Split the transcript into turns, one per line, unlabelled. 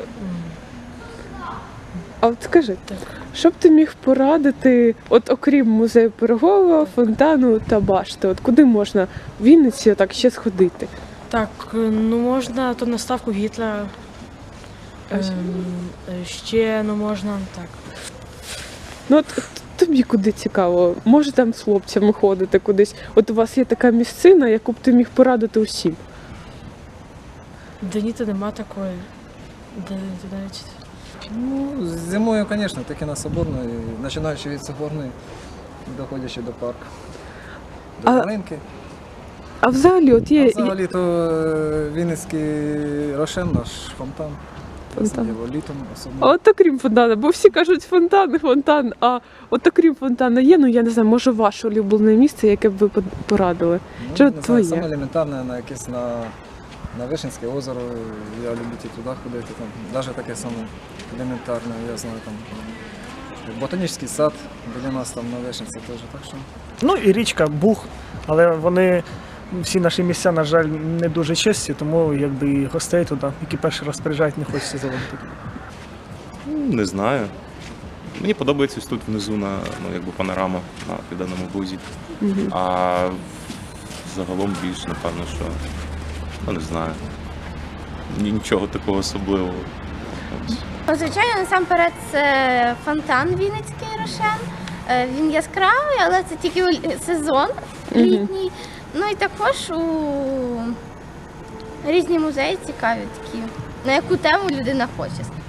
А от скажи, що б ти міг порадити, от окрім музею Пирогова, фонтану та башти, от куди можна в Вінниці так ще сходити?
Так, ну можна то на ставку Гітлера. Ще, ну можна, так.
Ну от тобі куди цікаво? Може там з хлопцями ходити кудись? От у вас є така місцина, яку б ти міг порадити усім?
Да ні, то нема такої. Де навіть.
Ну, зимою, звісно, таки на Соборної, починаючи від Соборної, доходячи до парку, до Малинки.
А взагалі, от є...
Взагалі то Вінницький Рошен, наш фонтан.
Фонтан.
Його літом особливо.
А от окрім фонтана, бо всі кажуть фонтан, а от окрім фонтана є, ну я не знаю, може ваше улюблене місце, яке б ви порадили?
Ну,
Чи
не
от
знаю,
твоє?
саме елементарне на якесь на Вишенське озеро, я люблю туди ходити, там, навіть таке саме елементарне, я знаю, там, ботанічний сад біля нас там на Вишенці теж, так що.
Ну і річка Буг, але вони, всі наші місця, на жаль, не дуже чисті, тому якби і гостей туди, які перший раз приїжджають, не хочеться заводити.
Не знаю. Мені подобається ось тут внизу якби панорама на Південному Бузі. А загалом більше, напевно, що, не знаю. Нічого такого особливого. Ось.
Звичайно, насамперед це фонтан Вінницький Рошен. Він яскравий, але це тільки сезон літній. Ну і також різні музеї цікаві такі, на яку тему людина хоче.